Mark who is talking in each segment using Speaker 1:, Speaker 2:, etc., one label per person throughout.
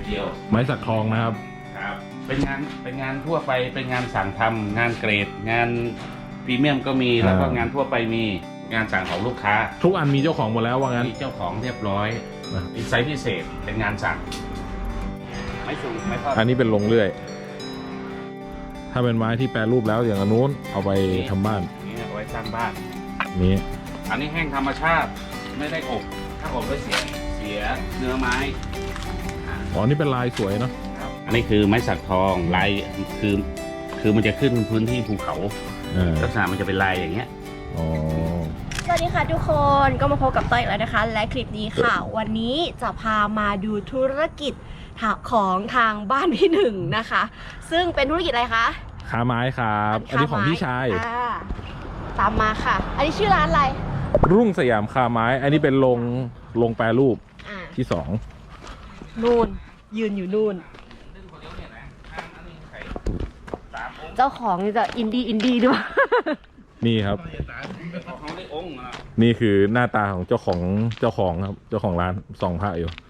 Speaker 1: เดียว
Speaker 2: ไม้สักทองนะครับ
Speaker 1: ครับเป็นงานทั่วไปเป็นงานสั่งทำงานเกรดงานพรีเมียมก็มีแล้วก็งานทั่วไปมีงานสั่งของลูกค้า
Speaker 2: ทุกอันมีเจ้าของหมดแล้วว่างั้น
Speaker 1: มีเจ้าของเรียบร้อยมีไซส์พิเศษเป็นงานสั่งไม่สูงไม่ทอด
Speaker 2: อันนี้เป็นลงเลื่อยถ้าเป็นไม้ที่แปรรูปแล้วอย่างนู้นเอาไปทำบ้าน
Speaker 1: นี่เอาไว้สร้างบ้าน
Speaker 2: นี้
Speaker 1: อันนี้แห้งธรรมชาติไม่ได้อบถ้าอบแล้วเสียเนื้อไม้
Speaker 2: อ๋อนี่เป็นลายสวยเนาะ
Speaker 1: อันนี้คือไม้สักทองลายคือมันจะขึ้นพื้นที่ภูเขาลักษณะมันจะเป็นลายอย่างเงี้ย
Speaker 3: สวัสดีค่ะทุกคนก็มาพบกับต้อยอีกแล้วนะคะและคลิปนี้ค่ะวันนี้จะพามาดูธุรกิจของทางบ้านพี่หนึ่งนะคะซึ่งเป็นธุรกิจอะไรคะ
Speaker 2: ค้าไม้ครับอันนี้ของพี่ชาย
Speaker 3: ตามมาค่ะอันนี้ชื่อร้านอะไร
Speaker 2: รุ่งสยามค้าไม้อันนี้เป็นลงแปรรูปที่2
Speaker 3: นู่นยืนอยู่นู่นเจ้าของจะอินดี้ด้วย
Speaker 2: นี่ครับนี่คือหน้าตาของเจ้าของครับเจ้าของร้านส่องพระอยู่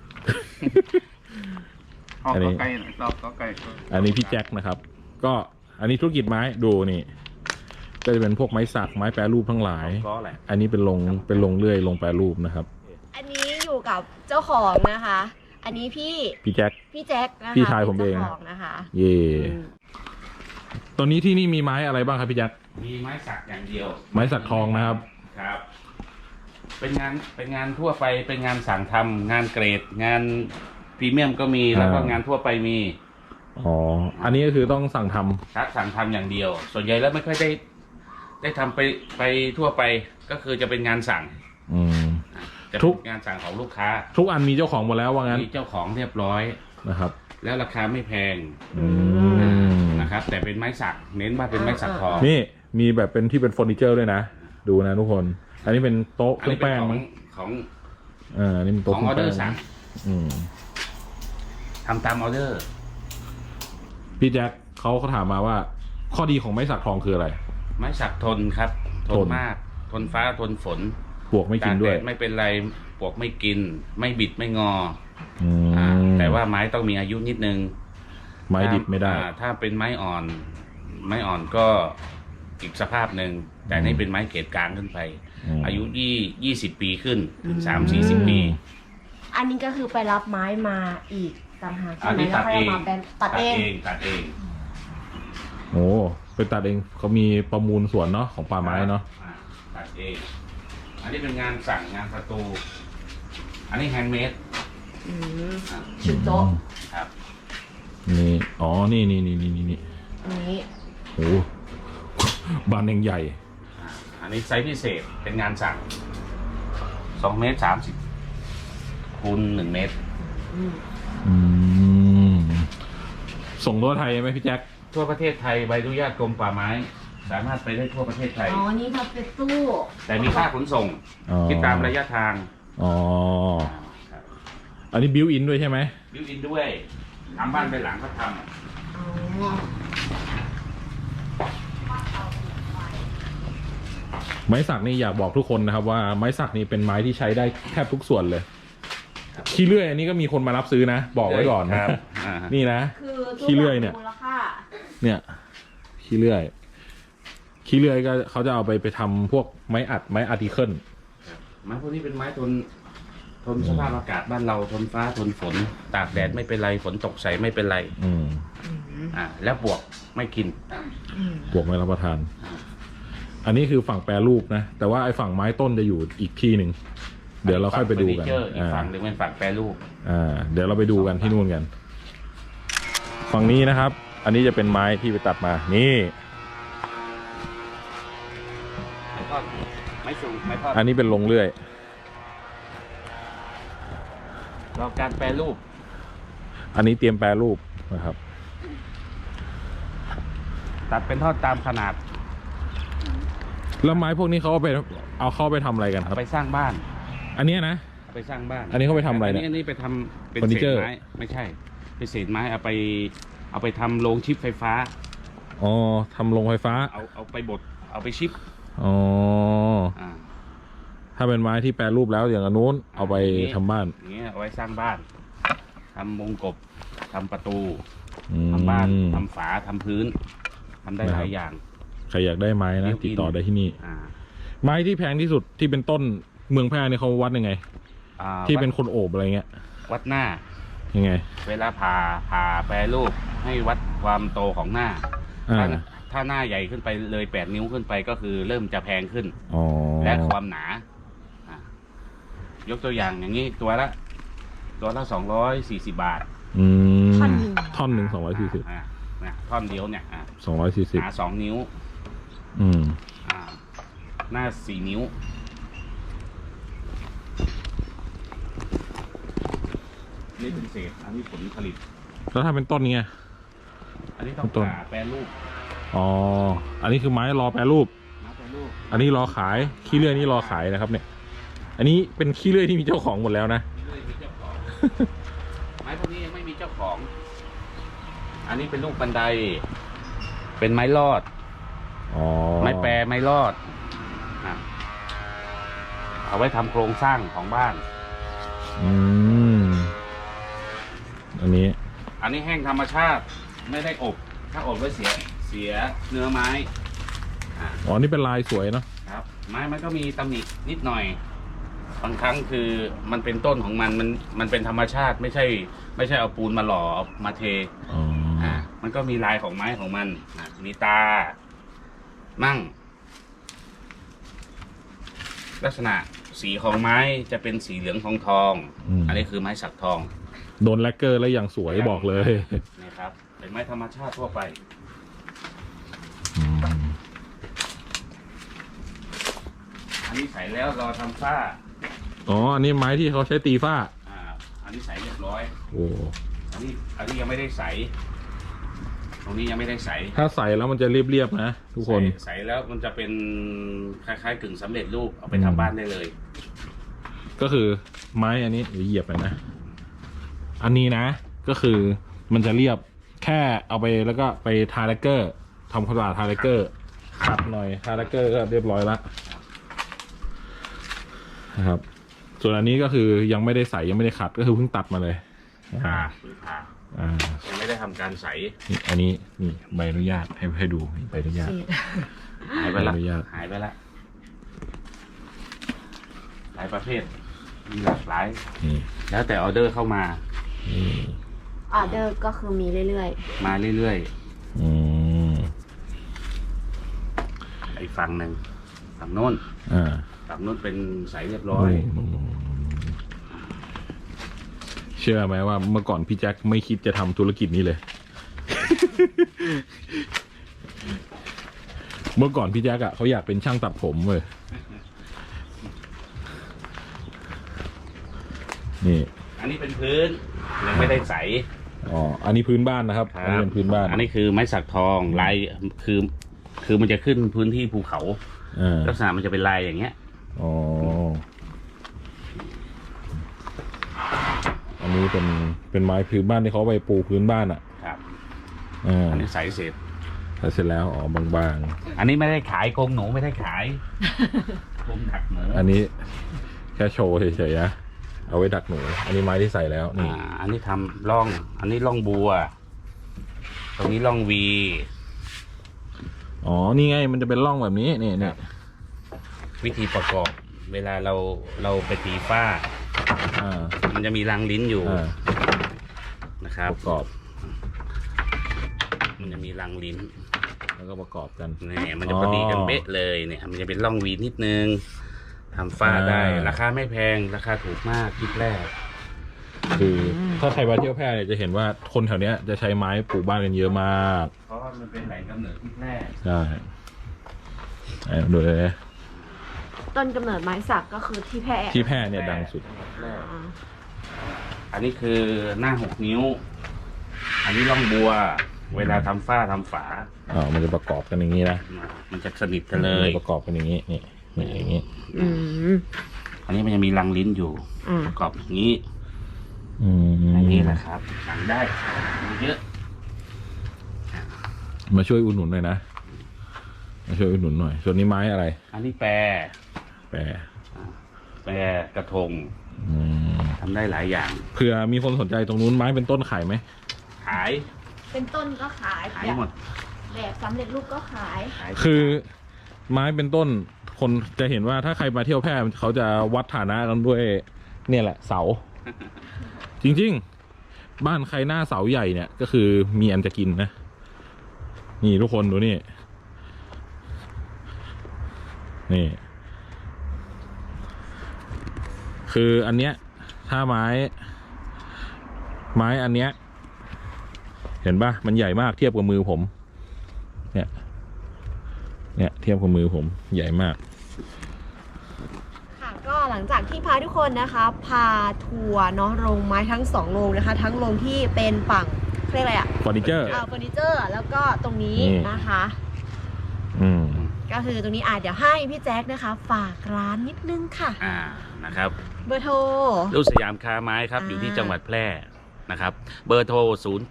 Speaker 2: อันนี้พี่แจ็คนะครับก็อันนี้ธุรกิจไม้ดูนี่ก็จะเป็นพวกไม้สักไม้แปรรูปทั้งหลายอันนี้เป็นลงเลื่อยลงแปรรูปนะครับ
Speaker 3: อันนี้อยู่กับเจ้าของนะคะอันนี้พี่
Speaker 2: แจ็ค
Speaker 3: นะคะ
Speaker 2: พี่ชายผมเอง
Speaker 3: นะคะ
Speaker 2: เย่ตอนนี้ที่นี่มีไม้อะไรบ้างครับพี่แจ็ค
Speaker 1: มีไม้สักอย่างเดียว
Speaker 2: ไม้สักทองนะครับ
Speaker 1: ครับเป็นงานทั่วไปเป็นงานสั่งทำงานเกรดงานพรีเมียมก็มีแล้วก็งานทั่วไปมี
Speaker 2: อ๋ออันนี้ก็คือต้องสั่งทำ
Speaker 1: ครับสั่งทำอย่างเดียวส่วนใหญ่แล้วไม่ค่อยได้ทำไปทั่วไปก็คือจะเป็นงานสั่งทุกงานสั่งของลูกค้า
Speaker 2: ทุกอันมีเจ้าของหมดแล้วว่างั้น
Speaker 1: มีเจ้าของเรียบร้อย
Speaker 2: นะครับ
Speaker 1: แล้วราคาไม่แพงนะครับแต่เป็นไม้สักเน้นว่าเป็นไม้สักทอง
Speaker 2: นี่มีแบบเป็นที่เป็นเฟอร์นิเจอร์ด้วยนะดูนะทุกคนอันนี้เป็นโต๊ะเครื่องแป้ง
Speaker 1: ของ
Speaker 2: นี่เป็นโต๊ะ
Speaker 1: ของออเดอร์สั่งทำตามออเดอร์
Speaker 2: พี่แจ็คเขาถามมาว่าข้อดีของไม้สักทองคืออะไร
Speaker 1: ไม้สักทนครับทนมากทนฟ้าทนฝน
Speaker 2: ปลวกไม่กินด้วย
Speaker 1: ไม่เป็นไรปลวกไม่กินไม่บิดไม่งอแต่ว่าไม้ต้องมีอายุนิดนึง
Speaker 2: ไม้ดิบไม่ได้
Speaker 1: ถ้าเป็นไม้อ่อนก็อีกสภาพหนึ่งแต่นี่เป็นไม้เกรดกลางขึ้นไปอายุ20 ปีขึ้นถึง30-40 ปี
Speaker 3: อันนี้ก็คือไปรับไม้มาอีกต่างหากใช่ไหมแล้วค่อยมาเป็นตัดเอง
Speaker 2: โอ้ไปตัดเองเขามีประมูลสวนเนาะของป่าไม้เนาะ
Speaker 1: ตัดเองอันนี้เป็นงานสั่งงานประตูอันนี้แฮนด์เมด
Speaker 3: ชุดโต๊ะ
Speaker 1: ครับ
Speaker 2: นี่อ๋อนี่โอ้บานยังใหญ่
Speaker 1: อันนี้ไซส์พิเศษเป็นงานสั่ง2.30 เมตรคูณ1 เมตร
Speaker 2: ส่งทั่วไทยไหมพี่แจ็ค
Speaker 1: ทั่วประเทศไทยใบอนุญาตกรมป่าไม้สามารถไปได้ทั่วประเทศไทย
Speaker 3: อ๋อนี่ทำเป็นตู้
Speaker 1: แต่มีค่าขนส่งคิดตามระยะทาง
Speaker 2: อ๋ออันนี้บิวอินด้วยใช่ไหม
Speaker 1: บิวอินด้วยทำบ้านไปหลังเขาทำ
Speaker 2: ไม้สักนี่อยากบอกทุกคนนะครับว่าไม้สักนี่เป็นไม้ที่ใช้ได้แทบทุกส่วนเลยขี้เลื่อยอันนี้ก็มีคนมารับซื้อนะบอกไว้ก่อนนะนี่นะขี้เลื่อยเนี่ยขี้เลื่อยก็เขาจะเอาไปทำพวกไม้อัดไม้อาร์ติเคิล
Speaker 1: ไม้พวกนี้เป็นไม้ทนสภาพอากาศบ้านเราทนฟ้าทนฝนตากแดดไม่เป็นไรฝนตกใส่ไม่เป็นไรแล้วปลวกไม่กิน
Speaker 2: ปลวกไม่รับประทานอันนี้คือฝั่งแปรรูปนะแต่ว่าไอ้ฝั่งไม้ต้นจะอยู่อีกที่หนึ่งเดี๋ยวเราค่อยไปดูกัน
Speaker 1: อีกฝั่งหนึ่งเป็นฝั่งแปรรูป
Speaker 2: เดี๋ยวเราไปดูกันที่นู่นกันฝั่งนี้นะครับอันนี้จะเป็นไม้ที่ไปตัดมานี่
Speaker 1: ไม้สูงไม้ทอด
Speaker 2: อันนี้เป็นลงเลื่อย
Speaker 1: เราการแปรรูป
Speaker 2: อันนี้เตรียมแปรรูปนะครับ
Speaker 1: ตัดเป็นทอดตามขนาด
Speaker 2: แล้วไม้พวกนี้เขาเอาเข้าไปทำอะไรกันครับ
Speaker 1: ไปสร้างบ้าน
Speaker 2: อันนี้นะ
Speaker 1: ไปสร้างบ้าน
Speaker 2: อันนี้เขาไปทำอะไรเนี่ย
Speaker 1: อันนี้ไปทำเป็นเศษไม้ไม่ใช่เป็นเศษไม้เอาไปทำโรงชิปไฟฟ้า
Speaker 2: อ๋อทำโรงไฟฟ้า
Speaker 1: เอาไปบดเอาไปชิป
Speaker 2: อ๋อถ้าเป็นไม้ที่แปรรูปแล้วอย่างนู้นเอาไปทำบ้าน
Speaker 1: อย่างเงี้ยเอาไว้สร้างบ้านทำวงกบทำประตูทำบ้านทำฝาทำพื้นทำได้หลายอย่าง
Speaker 2: ใครอยากได้ไม้นะติดต่อได้ที่นี่ ไม้ที่แพงที่สุดที่เป็นต้นเมืองแพร่เนี่ยเขาวัดยังไงที่เป็นคนโอบอะไรเงี้ย
Speaker 1: วัดหน้า
Speaker 2: ยังไง
Speaker 1: เวลาผ่าแปรรูปให้วัดความโตของหน้าถ้าหน้าใหญ่ขึ้นไปเลย8 นิ้วขึ้นไปก็คือเริ่มจะแพงขึ้นและความหนายกตัวอย่างอย่างนี้ตัวละ240 บาท
Speaker 2: ท่อนหนึ่ง240
Speaker 1: ท่อนเดียวเนี่ย
Speaker 2: 240
Speaker 1: หนา2 นิ้วหน้า4 นิ้วนี่เป็นเศษอันนี้ผลผลิต
Speaker 2: แล้วถ้าเป็นต้นนี้
Speaker 1: อันนี้ต้องแปรรูป
Speaker 2: อันนี้คือไม้รอแปรรูปอันนี้รอขายขี้เลื่อยนี่รอขายนะครับเนี่ยอันนี้เป็นขี้เลื่อยที่มีเจ้าของหมดแล้วนะ
Speaker 1: ไม้พวกนี้ยังไม่มีเจ้าของอันนี้เป็นลูกบันไดเป็นไม้ลอดไม้แปรไม้ลอดเอาไว้ทำโครงสร้างของบ้าน
Speaker 2: อันนี้
Speaker 1: แห้งธรรมชาติไม่ได้อบถ้าอบไว้เสียเนื้อไม้
Speaker 2: นี่เป็นลายสวยเนาะ
Speaker 1: ครับไม้มันก็มีตำหนินิดหน่อยบางครั้งคือมันเป็นต้นของมันเป็นธรรมชาติไม่ใช่เอาปูนมาหล่อเอามาเทมันก็มีลายของไม้ของมันมีตามั่งลักษณะสีของไม้จะเป็นสีเหลืองทองอันนี้คือไม้สักทอง
Speaker 2: โดนแลกเกอร์แล้วอย่างสวยบอกเลย
Speaker 1: นี่ครับเป็นไม้ธรรมชาติทั่วไปอันนี้ใส่แล้วรอทำฝ้า
Speaker 2: อันนี้ไม้ที่เขาใช้ตีฝ้า
Speaker 1: อันนี้ใส่เรียบร้อยอันนี้ยังไม่ได้ใส่ตรงนี้ยังไม่ได้ใส่
Speaker 2: ถ้าใส่แล้วมันจะเรียบๆนะทุกคน
Speaker 1: ใส่แล้วมันจะเป็นคล้ายๆกึ่งสำเร็จรูปเอาไปทำบ้านได้เลย
Speaker 2: ก็คือไม้อันนี้เหยียบไปนะอันนี้นะก็คือมันจะเรียบแค่เอาไปแล้วก็ไปทาแลกเกอร์ทำความสะอาดทาแลกเกอร์ขัดหน่อยทาแลกเกอร์ก็เรียบร้อยแล้วนะครับส่วนอันนี้ก็คือยังไม่ได้ใส่ยังไม่ได้ขัดก็คือเพิ่งตัดมาเลย
Speaker 1: ยังไม่ได้ทำการใส่
Speaker 2: อันนี้นี่ใบอนุญาตให้ดูใบอนุญาต
Speaker 1: หายไปละหายไปละหลายประเภทมีหลากหลายแล้วแต่ออเดอร์เข้ามา
Speaker 3: ออเดอร์ก็คือมีเรื่อย
Speaker 1: ๆมาเรื่อยๆอีกฝั่งหนึ่งฝั่งโน้นฝั่งโน้นเป็นใสเรียบร้อย
Speaker 2: เชื่อไหมว่าเมื่อก่อนพี่แจ็คไม่คิดจะทำธุรกิจนี้เลย เมื่อก่อนพี่แจ็คเขาอยากเป็นช่างตัดผมเลยนี่
Speaker 1: อันนี้เป็นพื้นยังไม่ได้ใส
Speaker 2: อันนี้พื้นบ้านนะครับอันนี้เป็นพื้นบ้าน
Speaker 1: อันนี้คือไม้สักทองลายคือมันจะขึ้นพื้นที่ภูเขาลักษณะมันจะเป็นลายอย่างเงี้ย
Speaker 2: อันนี้เป็นไม้พื้นบ้านที่เขาไปปูพื้นบ้าน
Speaker 1: ครับอันนี้ใสเสร็จ
Speaker 2: แล้วบาง
Speaker 1: ๆอันนี้ไม่ได้ขายกรงหนูไม่ได้ขายกรงดักหนู
Speaker 2: อันนี้แค่โชว์เฉยๆนะเอาไว้ดักหนูอันนี้ไม้ที่ใส่แล้วนี่
Speaker 1: อันนี้ทำร่องอันนี้ร่องบัวตรงนี้ร่องวี
Speaker 2: นี่ไงมันจะเป็นร่องแบบนี้นี่
Speaker 1: วิธีประกอบเวลาเราไปตีฝ้ามันจะมีรางลิ้นอยู่นะครับ
Speaker 2: ประกอบ
Speaker 1: มันจะมีรางลิ้น
Speaker 2: แล้วก็ประกอบกัน
Speaker 1: นี่มันจะพอดีกันเป๊ะเลยเนี่ยมันจะเป็นร่องวีนิดนึงทำฝ้าได้ราคาไม่แพงราคาถูกมากคลิปแรก
Speaker 2: คือถ้าใครมาเที่ยวแพร่เนี่ยจะเห็นว่าคนแถวเนี้ยจะใช้ไม้ปลูกบ้านกันเยอะมาก
Speaker 1: เพราะว่ามันเป็นแหล่งกำเนิดคลิปแรก
Speaker 2: ใช่ดูเลย
Speaker 3: ต้นกำเนิดไม้สักก็คือที่แพร่
Speaker 2: เนี่ยดังสุด
Speaker 1: อันนี้คือหน้า6 นิ้วอันนี้ร่องบัวเวลาทำฝ้าทำฝา
Speaker 2: มันจะประกอบกันอย่างนี้นะ
Speaker 1: มันจะสนิทกันเลย
Speaker 2: ประกอบกันอย่างนี้นี่อย่างนี้
Speaker 1: อันนี้มันจะมีรังลิ้นอยู่ประกอบอย่างนี้อย่างนี้แหละครับสั่งได้เยอะ
Speaker 2: มาช่วยอุดหนุนหน่อยนะมาช่วยอุดหนุนหน่อยส่วนนี้ไม้อะไร
Speaker 1: อันนี้แปรกระทงทำได้หลายอย่าง
Speaker 2: เผื่อมีคนสนใจตรงนู้นไม้เป็นต้นขายไหม
Speaker 1: ขาย
Speaker 3: เป็นต้นก็ขาย
Speaker 1: ขายหมด
Speaker 3: แบบสำเร็จรูปก็ขาย
Speaker 1: ขาย
Speaker 2: คือไม้เป็นต้นคนจะเห็นว่าถ้าใครมาเที่ยวแพร่เขาจะวัดฐานะกันด้วยเนี่ยแหละเสา จริงๆบ้านใครหน้าเสาใหญ่เนี่ยก็คือมีอันจะกินนะนี่ทุกคนดูนี่นี่คืออันเนี้ยถ้าไม้อันเนี้ยเห็นปะมันใหญ่มากเทียบกับมือผมเนี่ยเทียบกับมือผมใหญ่มาก
Speaker 3: ค่ะก็หลังจากที่พาทุกคนนะคะพาทัวร์เนาะโรงไม้ทั้ง2โรงนะคะทั้งโรงที่เป็นฝั่งเรียกอะไรอะ
Speaker 2: เฟอร์นิเจอร์
Speaker 3: เฟอร์นิเจอร์แล้วก็ตรงนี้นะคะก็คือตรงนี้เดี๋ยวให้พี่แจ๊คนะคะฝากร้านนิดนึงค่ะ
Speaker 1: นะครับ
Speaker 3: เบอร์โทร
Speaker 1: ลูกสยามค้าไม้ครับอยู่ที่จังหวัดแพร่นะครับเบอร์โทร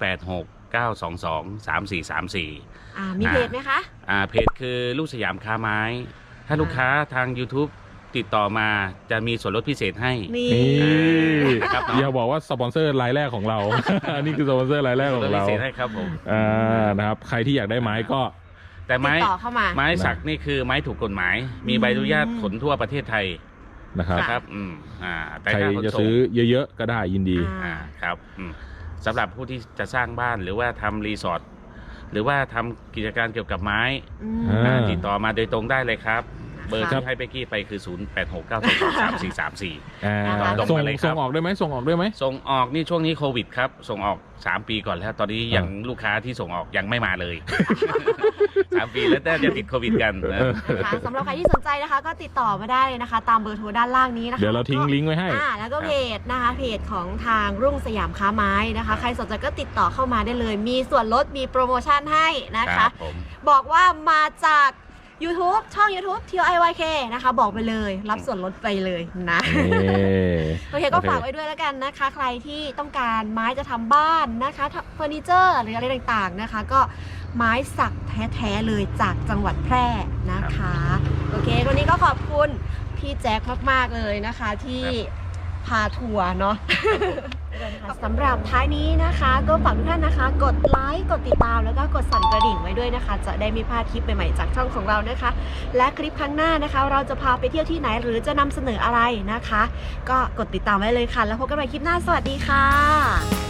Speaker 1: 0869223434
Speaker 3: มีเพจไหมคะ
Speaker 1: เพจคือลูกสยามค้าไม้ถ้าลูกค้าทาง YouTube ติดต่อมาจะมีส่วนลดพิเศษให้
Speaker 2: นี่ครับอย่าบอกว่าสปอนเซอร์รายแรกของเรา อันนี้คือสปอนเซอร์รายแรกของเรา
Speaker 1: พิเศษให้ครับผม
Speaker 2: นะครับใครที่อยากได้ไม้ก็
Speaker 1: แต่ไม้สักนี่คือไม้ถูกกฎหมายมีใบอนุญาตขนทั่วประเทศไทย
Speaker 2: นะครับ
Speaker 1: แต่
Speaker 2: ใครจะซื้อเยอะๆก็ได้ยินดี
Speaker 1: ครับสำหรับผู้ที่จะสร้างบ้านหรือว่าทำรีสอร์ทหรือว่าทำกิจการเกี่ยวกับไม้ติดต่อมาโดยตรงได้เลยครับเบอร์ที่ให้เบกกี้ไปคือ0869223434
Speaker 2: ส่งออกได้ไหมส่งออก
Speaker 1: นี่ช่วงนี้โควิดครับส่งออก3 ปีก่อนแล้วตอนนี้ยังลูกค้าที่ส่งออกยังไม่มาเลย 3 ปีแล้วแต่จะติดโควิดกัน
Speaker 3: สำหรับใครที่สนใจนะคะก็ติดต่อมาได้เลยนะคะตามเบอร์โทรด้านล่างนี้นะคะ
Speaker 2: เดี๋ยวเราทิ้งลิงก์ไว้ให้
Speaker 3: แล้วก็เพจนะคะเพจของทางรุ่งสยามค้าไม้นะคะใครสนใจก็ติดต่อเข้ามาได้เลยมีส่วนลดมีโปรโมชั่นให้นะคะบอกว่ามาจาก YouTube ช่อง YouTube TIYK นะคะบอกไปเลยรับส่วนลดไปเลยนะโอเคก็ฝากไว้ด้วยแล้วกันนะคะใครที่ต้องการไม้จะทำบ้านนะคะเฟอร์นิเจอร์หรืออะไรต่างๆนะคะก็ไม้สักแท้ๆเลยจากจังหวัดแพร่นะคะโอเควันนี้ก็ขอบคุณพี่แจ็คมากๆเลยนะคะที่พาทัวร์เนาะสำหรับท้ายนี้นะคะก็ฝากทุกท่านนะคะกดไลค์กดติดตามแล้วก็กดสั่นกระดิ่งไว้ด้วยนะคะจะได้ไม่พลาดคลิปใหม่ๆจากช่องของเรานะคะและคลิปครั้งหน้านะคะเราจะพาไปเที่ยวที่ไหนหรือจะนำเสนออะไรนะคะก็กดติดตามไว้เลยค่ะแล้วพบกันใหม่คลิปหน้าสวัสดีค่ะ